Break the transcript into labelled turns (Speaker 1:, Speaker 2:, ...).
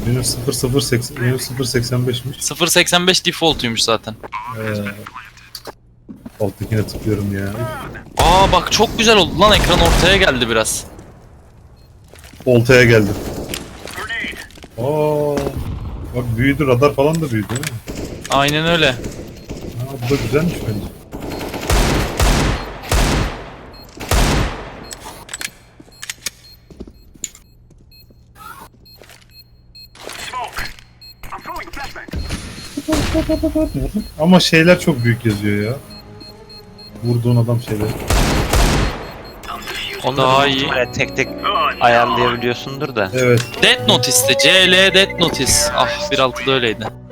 Speaker 1: Benim 0080, benim 0.85'miş.
Speaker 2: 0.85 default'uymuş zaten.
Speaker 1: Alttakine tıklıyorum ya.
Speaker 2: Aa bak çok güzel oldu lan, ekran ortaya geldi biraz.
Speaker 1: Oltaya geldim. Aa, bak büyüdü, radar falan da büyüdü değil mi?
Speaker 2: Aynen öyle.
Speaker 1: Bu da güzelmiş bence. Ama şeyler çok büyük yazıyor ya. Vurduğun adam şeyler.
Speaker 2: O
Speaker 3: Onları
Speaker 2: daha
Speaker 3: büyük
Speaker 2: iyi.
Speaker 3: ihtimalle tek tek ayarlayabiliyorsundur da.
Speaker 1: Evet.
Speaker 2: Death Notice'ti. CL Death Notice. Ah 1.6'da öyleydi.